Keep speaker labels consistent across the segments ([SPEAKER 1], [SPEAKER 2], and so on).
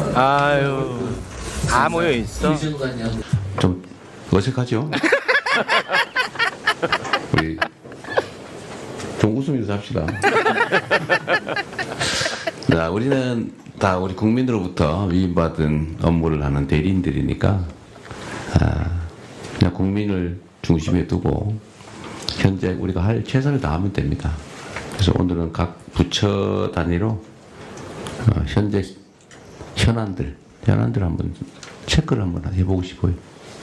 [SPEAKER 1] 아유, 다 모여 있어.
[SPEAKER 2] 좀 어색하죠? 우리 좀 웃으면서 합시다. 자, 우리는 다 우리 국민으로부터 위임받은 업무를 하는 대리인들이니까 그냥 국민을 중심에 두고 현재 우리가 할 최선을 다하면 됩니다. 그래서 오늘은 각 부처 단위로 현재 현안들 한번 체크를 한번 해보고 싶어요.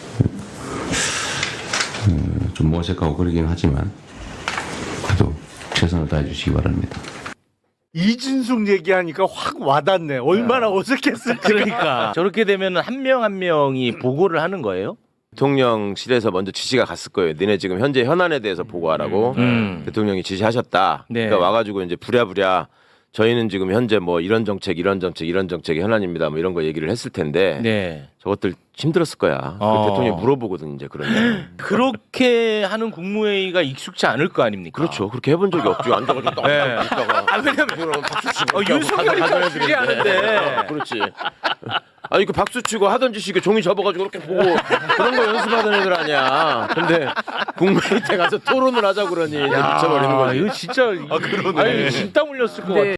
[SPEAKER 2] 좀 어색하고 그러긴 하지만 그래도 최선을 다해 주시기 바랍니다.
[SPEAKER 3] 이진숙 얘기하니까 확 와닿네. 얼마나 어색했을까.
[SPEAKER 1] 그러니까 저렇게 되면 한 명 한 명이 보고를 하는 거예요?
[SPEAKER 4] 대통령실에서 먼저 지시가 갔을 거예요. 너네 지금 현재 현안에 대해서 보고하라고 대통령이 지시하셨다.
[SPEAKER 1] 네.
[SPEAKER 4] 그러니까 와가지고 이제 부랴부랴 저희는 지금 현재 뭐 이런 정책이 현안입니다. 뭐 이런 거 얘기를 했을 텐데
[SPEAKER 1] 네.
[SPEAKER 4] 저것들 힘들었을 거야. 대통령이 물어보거든 이제 그러면.
[SPEAKER 1] 그렇게 하는 국무회의가 익숙치 않을 거 아닙니까?
[SPEAKER 4] 그렇죠. 그렇게 해본 적이 없죠. 앉아가지고 딱
[SPEAKER 1] 네.
[SPEAKER 4] 있다가.
[SPEAKER 1] 왜냐면
[SPEAKER 4] 박수 치고.
[SPEAKER 1] 윤석열이 좀 추리하는데.
[SPEAKER 4] 그렇지. 아니 그 박수 치고 하던 짓이 이게 종이 접어가지고 이렇게 보고 그런 거 연습하던 애들 아니야. 근데 국무회의 때 가서 토론을 하자 그러니 이제 미쳐버리는 거지.
[SPEAKER 1] 이거 진짜 아니 진땀 흘렸을 것 같아.